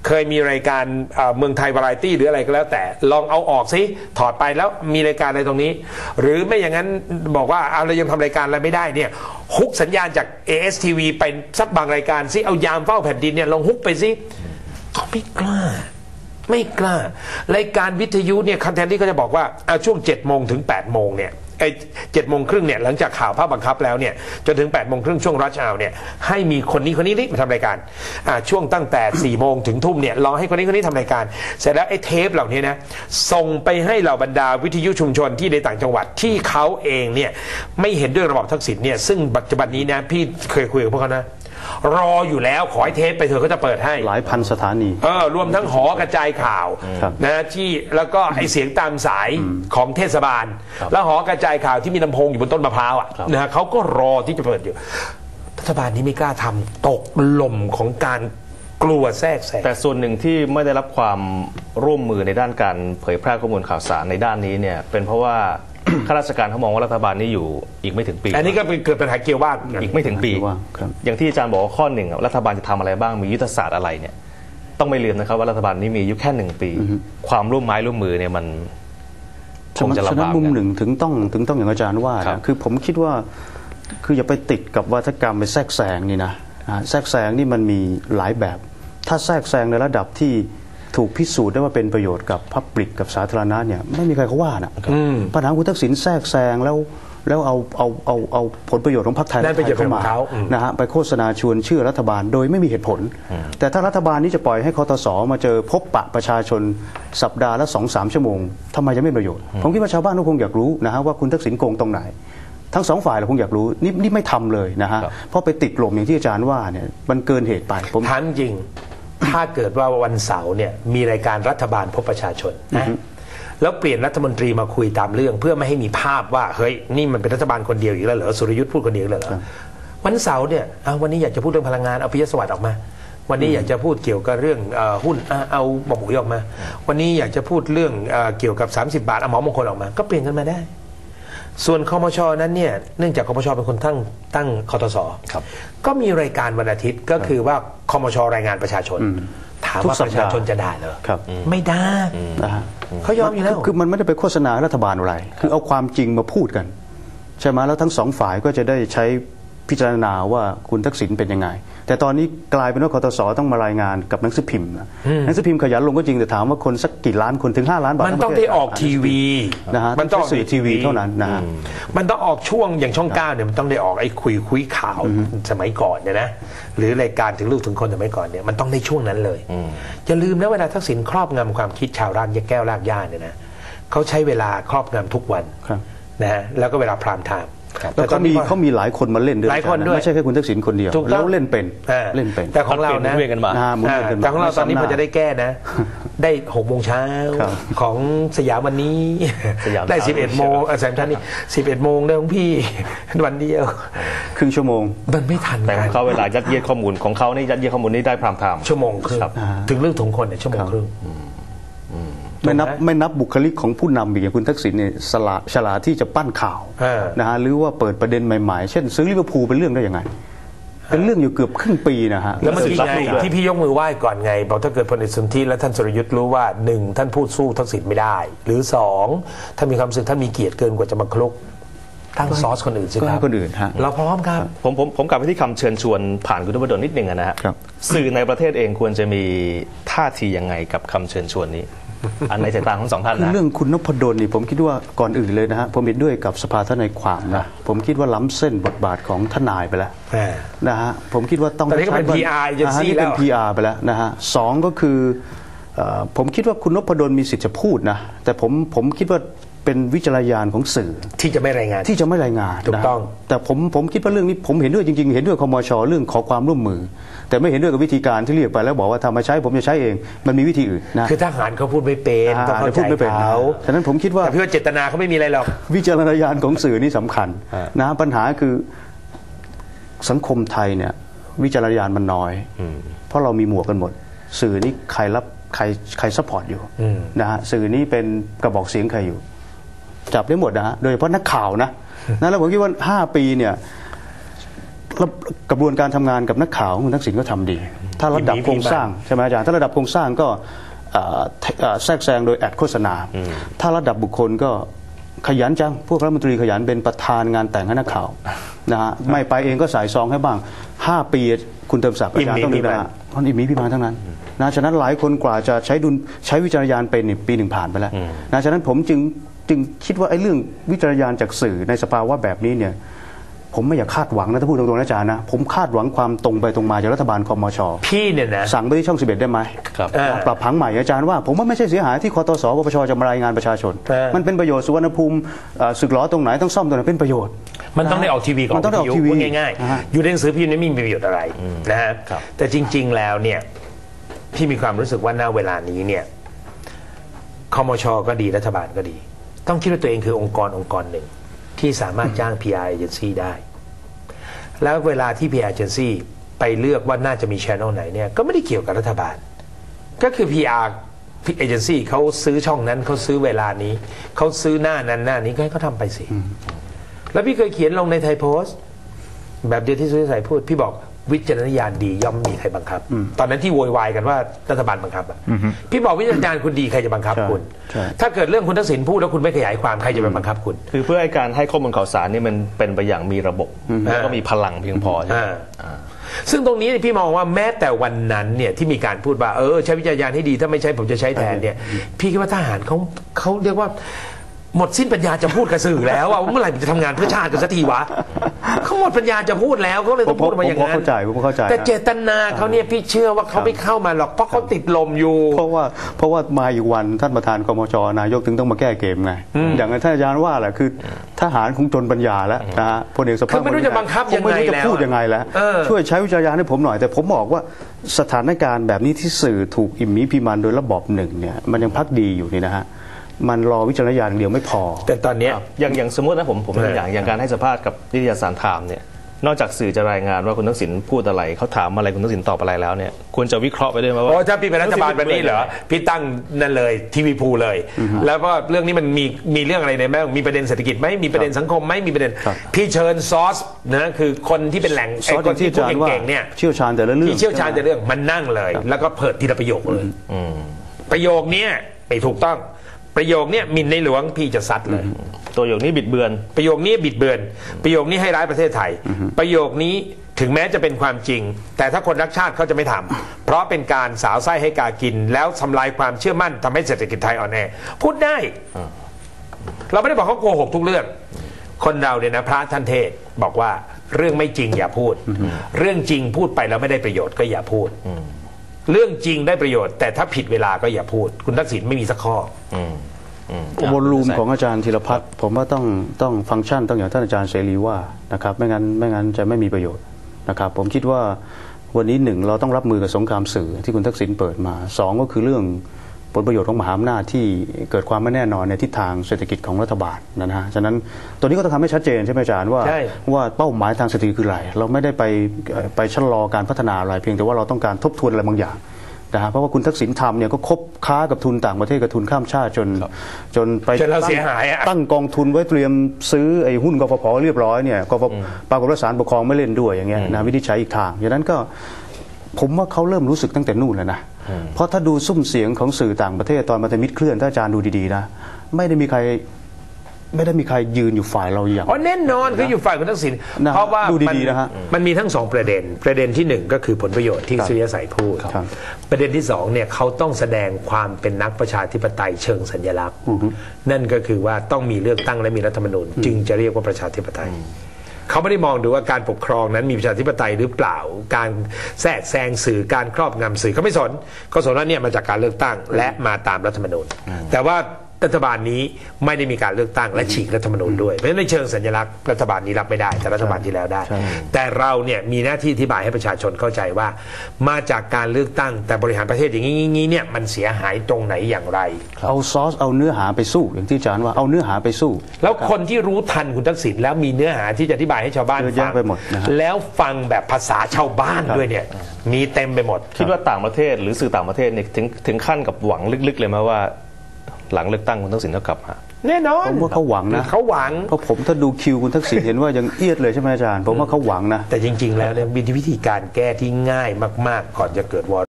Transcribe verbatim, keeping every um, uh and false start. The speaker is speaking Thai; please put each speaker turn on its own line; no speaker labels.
เคยมีรายการเมืองไทยวาไรตี้หรืออะไรก็แล้วแต่ลองเอาออกซิถอดไปแล้วมีรายการอะไรตรงนี้หรือไม่อย่างนั้นบอกว่าเอาเรายังทำรายการอะไรไม่ได้เนี่ยฮุกสัญญาณจาก เอ เอส ที วี ไปสักบางรายการซิเอายามเฝ้าแผ่นดินเนี่ยลองฮุกไปซิเขาไม่กล้าไม่กล้ารายการวิทยุเนี่ยคันแทนที่เขาจะบอกว่าเอาช่วงเจ็ดโมงถึงแปดโมงเนี่ยไอ้เจ็ดโมงครึ่งเนี่ยหลังจากข่าวภาพบังคับแล้วเนี่ยจนถึงแปดโมงครึ่งช่วงรัชเอาเนี่ยให้มีคนนี้คนนี้นี่มาทำรายการอ่าช่วงตั้งแต่สี่โมงถึงทุ่มเนี่ยรอให้คนนี้คนนี้ทำรายการเสร็จแล้วไอ้เทปเหล่านี้นะส่งไปให้เหล่าบรรดาวิทยุชุมชนที่ในต่างจังหวัดที่เขาเองเนี่ยไม่เห็นด้วยระบอบทักษิณเนี่ยซึ่งปัจจุบันนี้นะพี่เคยคุยกับพวกเขานะรออยู่แล้วขอให้เทปไปเถอะเขาจะเปิดให้
หลายพันสถานี
เออรวมทั้งหอกระจายข่าวนะที่แล้วก็ไอเสียงตามสายของเทศบาลแล้วหอกระจายข่าวที่มีลำโพงอยู่บนต้นมะพร้าวอ่ะนะเขาก็รอที่จะเปิดอยู่รัฐบาลนี้ไม่กล้าทำตกหล่มของการกลัวแทรกแซง
แต่ส่วนหนึ่งที่ไม่ได้รับความร่วมมือในด้านการเผยแพร่ข้อมูลข่าวสารในด้านนี้เนี่ยเป็นเพราะว่าข้าราชการเขามองว่ารัฐบาลนี้อยู่อีกไม่ถึงปี
อันนี้ก็เกิดปัญหาเกี่ยวว่า
อีกไม่ถึงปีอย่างที่อาจารย์บอกว่าข้อหนึ่งรัฐบาลจะทำอะไรบ้างมียุทธศาสตร์อะไรเนี่ยต้องไม่ลืมนะครับว่ารัฐบาลนี้มีอายุแค่หนึ่งปีความร่วมไม้ร่วมมือเนี่ยมัน
คงจะลำบากมุมหนึ่งถึงต้องถึงต้องอย่างอาจารย์ว่าคือผมคิดว่าคืออย่าไปติดกับวาทกรรมไปแทรกแซงนี่นะแทรกแซงนี่มันมีหลายแบบถ้าแทรกแซงในระดับที่ถูกพิสูจน์ได้ว่าเป็นประโยชน์กับพับลิกกับสาธารณะเนี่ยไม่มีใครเขาว่านะปัญหาคุณทักษิณแทรกแซงแล้วแล้วเอาเอาเอาเอาผลประโยชน์ของพรรคไทยเข้ามานะฮะไปโฆษณาชวนเชื่อรัฐบาลโดยไม่มีเหตุผลแต่ถ้ารัฐบาลนี้จะปล่อยให้คตส.มาเจอพบปะประชาชนสัปดาห์ละสองสามชั่วโมงทำไมจะไม่ประโยชน์ผมคิดว่าชาวบ้านก็คงอยากรู้นะฮะว่าคุณทักษิณโกงตรงไหนทั้งสองฝ่ายเราคงอยากรู้นี่นี่ไม่ทำเลยนะฮะเพราะไปติดหล่มอย่างที่อาจารย์ว่าเนี่ยมันเกินเหตุไป
ผมถามจริงถ้าเกิดว่าวันเสาร์เนี่ยมีรายการรัฐบาลพบประชาชนนะแล้วเปลี่ยนรัฐมนตรีมาคุยตามเรื่องเพื่อไม่ให้มีภาพว่าเฮ้ยนี่มันเป็นรัฐบาลคนเดียวอีกแล้วเหรอสุรยุทธ์พูดคนเดียวเหรอวันเสาร์เนี่ยวันนี้อยากจะพูดเรื่องพลังงานเอาปิยสวัสดิ์ออกมาวันนี้อยากจะพูดเกี่ยวกับเรื่องหุ้นเอาหมอหมูออกมาวันนี้อยากจะพูดเรื่องเกี่ยวกับสามสิบบาทเอาหมอมงคลออกมาก็เปลี่ยนกันมาได้ส่วนคมช.นั้นเนี่ยเนื่องจากคมช.เป็นคนตั้งตั้งคตส.ก็มีรายการวันอาทิตย์ก็คือว่าคมช.รายงานประชาชนถามว่าประชาชนจะได้เหรอไม่ได้เขายอมอยู่แล้ว
คือมันไม่ได้ไปโฆษณารัฐบาลอะไรคือเอาความจริงมาพูดกันใช่ไหมแล้วทั้งสองฝ่ายก็จะได้ใช้พิจารณาว่าคุณทักษิณเป็นยังไงแต่ตอนนี้กลายเป็นว่าคตส.ต้องมารายงานกับหนังสือพิมพ์หนังสือพิมพ์ขยันลงก็จริงแต่ถามว่าคนสักกี่ล้านคนถึงห้าล้านบาท
มันต้องได้ออกทีวี
นะฮะมันต้องสื่อทีวีเท่านั้นนะ
มันต้องออกช่วงอย่างช่องเก้าเนี่ยมันต้องได้ออกไอ้คุยคุยข่าวสมัยก่อนเนี่ยนะหรือรายการถึงลูกถึงคนสมัยก่อนเนี่ยมันต้องในช่วงนั้นเลยอย่าลืมนะเวลาทักษิณครอบงำความคิดชาวรากแก้วรากหญ้าเนี่ยนะเขาใช้เวลาครอบงำทุกวันนะฮะแล้วก็เวลาพรามไทม์
แต่เขามีเขามีหลายคนมาเล่นด้วยไม่ใช่แค่คุณทักษิณคนเดียวแล้วเล่นเป็นเล่นเป็น
แต่ของเรานะแต่ของเราตอนนี้พอจะได้แก้นะได้หกโมงเช้าของสยามวันนี้ได้สิบเอ็ดโมงแซมชันนี่สิบเอ็ดโมงได้ของพี่วันเดียว
ครึ่งชั่วโมง
มันไม่ทัน
แต่ของเขาเวลายัดเยียดข้อมูลของเขานี่ยัดเยียดข้อมูลนี่ได้พรามไทม์
ชั่วโมงครึ่งถึงเรื่องถุงคนเนี่ยชั่วโมงครึ่ง
ไม่นับไม่นับบุคลิกของผู้นำอย่างคุณทักษิณเนี่ยฉลาดฉลาดที่จะปั้นข่าวนะฮะหรือว่าเปิดประเด็นใหม่ๆเช่นซื้อลิเวอร์พูลเป็นเรื่องได้ยังไงเป็นเรื่องอยู่เกือบครึ่งปีนะฮะ
แล้วเมื่อกี้ไงที่พี่ยกมือไหว้ก่อนไงบอกถ้าเกิดพลเอกสุนทรและท่านสุรยุทธ์รู้ว่าหนึ่งท่านพูดสู้ทักษิณไม่ได้หรือสองท่านมีความรู้สึกท่านมีเกียรติเกินกว่าจะมาคลุกตั้งซอสคนอื่นสิครับ
คนอื่นฮะ
เราพร้อมครับ
ผมผมผมกลับไปที่คำเชิญชวนผ่านคุณนพดลนิดนึงนะฮะสื่อในประเทศเองควรจะมีท่าทียังไงกับคำเชิญชวนนี้อันในสายตาของสองท่านนะ
เรื่องคุณนพดลนี่ผมคิดว่าก่อนอื่นเลยนะฮะผมเห็นด้วยกับสภาทนายความนะผมคิดว่าล้ำเส้นบทบาทของทนายไปแล้วนะฮะผมคิดว่าต้อง
ใช้เป็น พี อาร์ เอเจนซี่แล้ว
เป็น พี อาร์ ไปแล้วนะฮะสองก็คือผมคิดว่าคุณนพดลมีสิทธิ์จะพูดนะแต่ผมผมคิดว่าเป็นวิจารณญาณของสื่อ
ที่จะไม่รายงาน
ที่จะไม่รายงาน
ถูกต้อง
แต่ผมผมคิดว่าเรื่องนี้ผมเห็นด้วยจริงๆเห็นด้วยคมช.เรื่องขอความร่วมมือแต่ไม่เห็นด้วยกับวิธีการที่เรียกไปแล้วบอกว่าทำมาใช้ผมจะใช้เองมันมีวิธีอื่นนะ
คือทหารเขาพูดไม่เป็นต้องเข้าใจเขา
ฉะนั้นผมคิดว่า
แต่พี่ว่าเจตนาเขาไม่มีอะไรหรอก
วิจารณญาณของสื่อนี่สำคัญนะปัญหาคือสังคมไทยเนี่ยวิจารณญาณมันน้อยเพราะเรามีหมวกกันหมดสื่อนี่ใครรับใครใครซัพพอร์ตอยู่นะฮะสื่อนี้เป็นกระบอกเสียงใครอยู่จับได้หมดนะฮะโดยเฉพาะนักข่าวนะนะแล้วผมคิดว่าห้าปีเนี่ยกระบวนการทำงานกับนักข่าวคุณทักษิณก็ทำดีถ้าระดับโครงสร้างใช่ไหมอาจารย์ถ้าระดับโครงสร้างก็แทรกแซงโดยแอดโฆษณาถ้าระดับบุคคลก็ขยันจังพวกรัฐมนตรีขยันเป็นประธานงานแต่งให้นักข่าวนะฮะไม่ไปเองก็สายซองให้บ้างห้าปีคุณเติมศักดิ์อาจารย์ต้องดูนะมันอิมีพิมานทั้งนั้นนะฉะนั้นหลายคนกว่าจะใช้ดุลใช้วิจารณญาณเป็นปีหนึ่งผ่านไปแล้วนะฉะนั้นผมจึงจึงคิดว่าไอ้เรื่องวิจารณญาณจากสื่อในสภาวะแบบนี้เนี่ยผมไม่อยากคาดหวังนะถ้าพูดตรงๆนะอาจารย์นะผมคาดหวังความตรงไปตรงมาจากรัฐบาลคมช.
พี่เนี่ยนะ
สั่งไปที่ช่องสิบเอ็ดได้ไหมปรับผังใหม่อาจารย์ว่าผมว่าไม่ใช่เสียหายที่คตสปปชจะมารายงานประชาชนมันเป็นประโยชน์สุวรรณภูมิสึกหรอตรงไหนต้องซ่อมตรงไหนเป็นประโยชน์
มันต้องได้ออกทีวีก่อน
มันต้องได้ออกทีวี
ง่ายๆอยู่ในหนังสือพิมพ์ไม่มีประโยชน์อะไรนะฮะแต่จริงๆแล้วเนี่ยพี่มีความรู้สึกว่าณเวลานี้เนี่ยคมช.ก็ดีรัฐบาลก็ดีต้องคิดว่าตัวเองคือองค์กรองค์กรหนึ่งที่สามารถจ้าง พี อาร์ agency ได้แล้วเวลาที่ พี อาร์ agency ไปเลือกว่าน่าจะมี channel ไหนเนี่ยก็ไม่ได้เกี่ยวกับรัฐบาลก็คือ พี อาร์ agency เขาซื้อช่องนั้นเขาซื้อเวลานี้เขาซื้อหน้านั้นหน้านี้ก็ให้เขาทำไปสิแล้วพี่เคยเขียนลงในไทยโพสต์แบบเดียวที่สุริชัยพูดพี่บอกวิจารณญาณดีย่อมมีใครบังคับตอนนั้นที่โวยวายกันว่ารัฐบาลบังคับอ่ะพี่บอกวิจารณญาณคุณดีใครจะบังคับคุณถ้าเกิดเรื่องคุณทักษิณพูดแล้วคุณไม่ขยายความใครจะไปบังคับคุณ
คือเพื่อให้การให้ข้อมูลข่าวสารนี่มันเป็นไปอย่างมีระบบแล้วก็มีพลังเพียงพอใช่ไหม
ซึ่งตรงนี้พี่มองว่าแม้แต่วันนั้นเนี่ยที่มีการพูดว่าเออใช้วิจารณญาณให้ดีถ้าไม่ใช้ผมจะใช้แทนเนี่ยพี่คิดว่าทหารเขาเขาเรียกว่าหมดสิ้นปัญญาจะพูดกับสื่อแล้วว่าเมื่อไหร่จะทำงานเพื่อชาติกันสักทีวะเขาหมดปัญญาจะพูดแล้วเขาเลยต้องพูดมาอย่างนั้น
เข้าใจผมเข้าใจ
แต่เจตนาเขาเนี่ยพี่เชื่อว่าเขาไม่เข้ามาหรอกเพราะเขาติดลมอยู่
เพราะว่าเพราะว่ามาอีกวันท่านประธานคมช.นายกถึงต้องมาแก้เกมไงอย่างท่านอาจารย์ว่าแหละคือทหารคงจนปัญญาแล้วนะฮะพลเอกสุภาพ
ไม่รู้จะบังคับยังไงแล้ว
พูดยังไงแล้วช่วยใช้วิจารณญาณให้ผมหน่อยแต่ผมบอกว่าสถานการณ์แบบนี้ที่สื่อถูกอิมมิพิมันโดยระบอบหนึ่งเนี่ยมันยังพักดีอยู่นี่นะฮะมันรอวิจารณญาณเดียวไม่พอ
แต่ตอนนี้
อย่างอย่างสมมตินะผมผมเป็นอย่างอย่างการให้สัมภาษณ์กับนิตยสารไทม์เนี่ยนอกจากสื่อจะรายงานว่าคุณทักษิณพูดอะไรเขาถามอะไรคุณทักษิณตอบอะไรแล้วเนี่ยควรจะวิเคราะห์ไปด้วยไหมว่า
ถ้าพี่เป็นรัฐบาลแบบนี้เหรอพี่ตั้งนั่นเลยทีวีพูเลยแล้วก็เรื่องนี้มันมีมีเรื่องอะไรในแม่มีประเด็นเศรษฐกิจไหมมีประเด็นสังคมไหมมีประเด็นพี่เชิญซอสนะคือคนที่เป็นแหล่งคนที่พูดเก่งๆเนี่ย
เชี่ยวชาญแต่ละเรื่อง
ที่เชี่ยวชาญแต่เรื่องมันนั่งเลยแล้วก็เปิดทีละประโยคเลยประโยคนี้ไม่ถูกต้องประโยคนี้หมิ่นในหลวงพี่จะซัดเลย
ตัวโยคนี้บิดเบือน
ประโยคนี้บิดเบือนประโยคนี้ให้ร้ายประเทศไทยประโยคนี้ถึงแม้จะเป็นความจริงแต่ถ้าคนรักชาติเขาจะไม่ทำเพราะเป็นการสาวไส้ให้กากินแล้วทำลายความเชื่อมั่นทำให้เศรษฐกิจไทยอ่อนแอพูดได้เราไม่ได้บอกเขาโกหกทุกเรื่องคนเราเนี่ยนะพระท่านเทศบอกว่าเรื่องไม่จริงอย่าพูดเรื่องจริงพูดไปแล้วไม่ได้ประโยชน์ก็อย่าพูดเรื่องจริงได้ประโยชน์แต่ถ้าผิดเวลาก็อย่าพูดคุณทักษิณไม่มีสักข้อ
วอลลุ่มของอาจารย์ธีรพัฒน์ผมว่าต้องต้องฟังก์ชันต้องอย่างท่านอาจารย์เสรีว่านะครับไม่งั้นไม่งั้นจะไม่มีประโยชน์นะครับผมคิดว่าวันนี้หนึ่งเราต้องรับมือกับสงครามสื่อที่คุณทักษิณเปิดมาสองก็คือเรื่องผลประโยชน์ของมหาอำนาจที่เกิดความไม่แน่นอนในทิศทางเศรษฐกิจของรัฐบาลนะฮะฉะนั้นตัวนี้ก็ต้องทำให้ชัดเจนใช่ไหมอาจารย์ว่าว่าเป้าหมายทางเศรษฐกิจคืออะไรเราไม่ได้ไปไปชะลอการพัฒนาอะไรเพียงแต่ว่าเราต้องการทบทวนอะไรบางอย่างนะฮะเพราะว่าคุณทักษิณทำเนี่ยก็คบค้ากับทุนต่างประเทศกับทุนข้ามชาติจนจนไปตั้งกองทุนไว้เตรียมซื้อไอ้หุ้นกฟผ.เรียบร้อยเนี่ยกฟผ.ปรากฏว่าศาลปกครองไม่เล่นด้วยอย่างเงี้ยนะวินิจฉัยอีกทางอย่างนั้นก็ผมว่าเขาเริ่มรู้สึกตั้งแต่นู่นแล้วนะเพราะถ้าดูซุ้มเสียงของสื่อต่างประเทศตอนมัธมิตรเคลื่อนถ้าอาจารย์ดูดีๆนะไม่ได้มีใครไม่ได้มีใครยืนอยู่ฝ่ายเราอย่าง
อ๋อแน่นอนคืออยู่ฝ่ายคุณทักษิณเพราะว่ามันมันมีทั้งสองประเด็นประเด็นที่หนึ่งก็คือผลประโยชน์ที่สุริยสัยพูดประเด็นที่สองเนี่ยเขาต้องแสดงความเป็นนักประชาธิปไตยเชิงสัญลักษณ์นั่นก็คือว่าต้องมีเลือกตั้งและมีรัฐธรรมนูญจึงจะเรียกว่าประชาธิปไตยเขาไม่ได้มองดูว่าการปกครองนั้นมีประชาธิปไตยหรือเปล่าการแทรกแซงสื่อการครอบงำสื่อเขาไม่สนเขาสนว่าเนี่ยมาจากการเลือกตั้งและมาตามรัฐธรรมนูญแต่ว่ารัฐบาลนี้ไม่ได้มีการเลือกตั้งและฉีกรัฐธรรมนูญด้วยเพราะฉะนั้นในเชิงสัญลักษณ์รัฐบาลนี้รับไม่ได้แต่รัฐบาลที่แล้วได้แต่เราเนี่ยมีหน้าที่อธิบายให้ประชาชนเข้าใจว่ามาจากการเลือกตั้งแต่บริหารประเทศอย่างนี้เนี่ยมันเสียหายตรงไหนอย่างไร
เอาซอสเอาเนื้อหาไปสู้อย่างที่อาจารย์ว่าเอาเนื้อหาไปสู้
แล้วคนที่รู้ทันคุณทักษิณแล้วมีเนื้อหาที่จะอธิบายให้ชาวบ้านฟังแล้วฟังแบบภาษาชาวบ้านด้วยเนี่ยมีเต็มไปหมด
คิดว่าต่างประเทศหรือสื่อต่างประเทศเนี่ยถึงถึงขั้นกับหวังลึกๆเลยไหมว่าหลังเลือกตั้งคุณทักษิณจะกลับมา
แน่นอน
ผมว่าเขาหวังนะ
เขาหวัง
เพราะผมถ้าดูคิวคุณทักษิณเห็นว่ายังเอียดเลยใช่ไหมอาจารย์ผมว่าเขาหวังนะ
แต่จริงๆแล้วเนี่ยมีวิธีการแก้ที่ง่ายมากๆก่อนจะเกิดวอ